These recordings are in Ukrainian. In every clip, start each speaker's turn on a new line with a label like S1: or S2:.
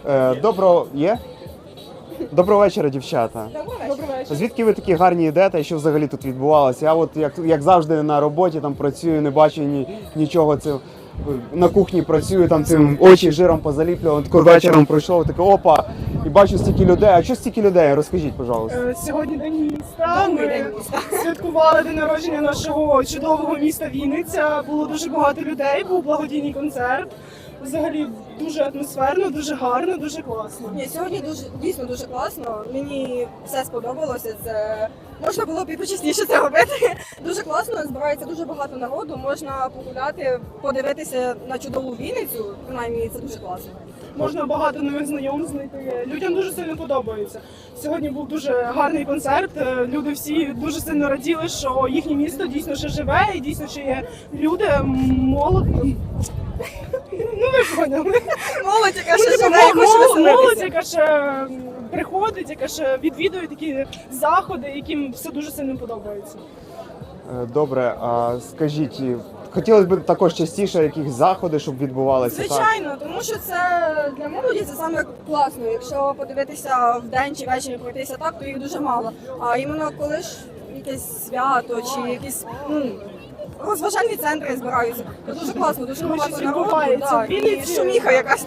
S1: Доброго є? Доброго вечора, дівчата.
S2: Добрий вечір.
S1: Звідки ви такі гарні йдете і що взагалі тут відбувалося? Я от як завжди на роботі там працюю, не бачу нічого. Це на кухні працюю, там цим очі жиром позаліплював. Тако вечором пройшов, таке опа, і бачу стільки людей. А що стільки людей? Розкажіть, пожалуйста.
S2: Сьогодні день міста. Ми святкували день народження нашого чудового міста Вінниця. Було дуже багато людей, був благодійний концерт. Взагалі дуже атмосферно, дуже гарно, дуже класно.
S3: Ні, сьогодні дійсно дуже класно. Мені все сподобалося. Це можна було б і почесніше це робити. Дуже класно, збирається дуже багато народу. Можна погуляти, подивитися на чудову Вінницю. Принаймні, це дуже класно.
S2: Можна багато нових знайомств знайти. Людям дуже сильно подобається. Сьогодні був дуже гарний концерт. Люди всі дуже сильно раділи, що їхнє місто дійсно ще живе і дійсно ще є люди молоді. Ну ви поняли.
S3: Молодь, яка ще живе і хоче
S2: Молодь,
S3: веселитися.
S2: яка ще приходить, яка ще відвідує такі заходи, яким все дуже сильно подобається.
S1: Добре, а скажіть, хотілося б також частіше якісь заходи, щоб відбувалися? Так?
S3: Звичайно, тому що це для молоді це саме класно. Якщо подивитися вдень чи ввечері пройтися так, то їх дуже мало. А іменно коли ж якесь свято чи якісь розважальні центри збираються, то дуже класно, дуже
S2: Тому що
S3: багато народу.
S2: відбувається
S3: Так,
S2: в
S3: і
S2: Вінниці.
S3: шуміха якась.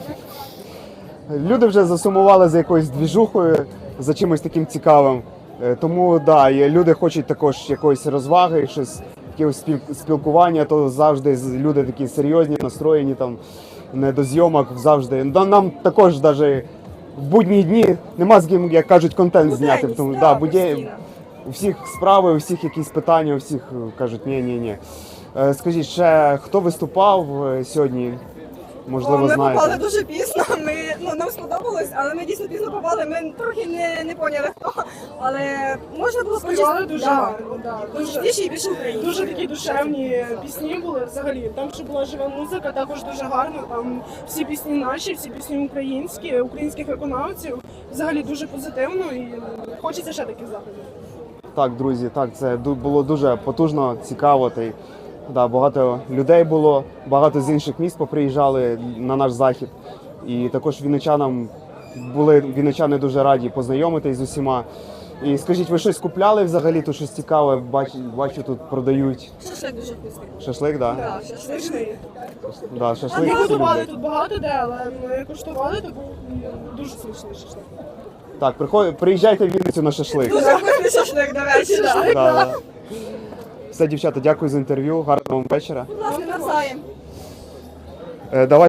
S1: Люди вже засумували за якоюсь двіжухою, за чимось таким цікавим. Тому да, і люди хочуть також якоїсь розваги, щось якогось спілкування, то завжди люди такі серйозні, настроєні, там не до зйомок завжди. Нам також навіть в будні дні нема з ким, як кажуть, контент зняти. Тому да,
S3: постійно.
S1: у всіх справи, у всіх якісь питання, у всіх кажуть ні. Скажіть, ще хто виступав сьогодні? Можливо,
S3: Ми
S1: знаєте.
S3: попали дуже пізно. Нам сподобалось, але ми дійсно пізно попали. Ми трохи не поняли хто. Але можна було
S2: Співали дуже гарно. Да.
S3: Більше і більше українців.
S2: Дуже такі душевні пісні були взагалі. Там ще була жива музика, також дуже гарно. Там всі пісні наші, всі пісні українські, українських виконавців. Взагалі дуже позитивно і хочеться ще таких заходів.
S1: Так, друзі, так, це було дуже потужно, цікаво. Да, багато людей було, багато з інших міст поприїжджали на наш захід. І також вінничани дуже раді познайомитись з усіма. І скажіть, ви щось купляли взагалі, тут щось цікаве, бачу тут продають.
S3: Шашлик дуже вкусний.
S1: Шашлик, так? Да?
S3: Так, шашлик.
S2: Смачний.
S1: Да,
S2: Ми
S1: шашлик всі
S2: готували
S1: люблять.
S2: тут багато де, але ми куштували, то був дуже смачний шашлик.
S1: Так, приїжджайте в Вінницю на шашлик.
S3: Дуже вкусний шашлик, до речі.
S1: Да, да. Все, дівчата, дякую за інтерв'ю, гарного вам вечора.
S3: Будь ласка, навзаєм.
S1: Давай.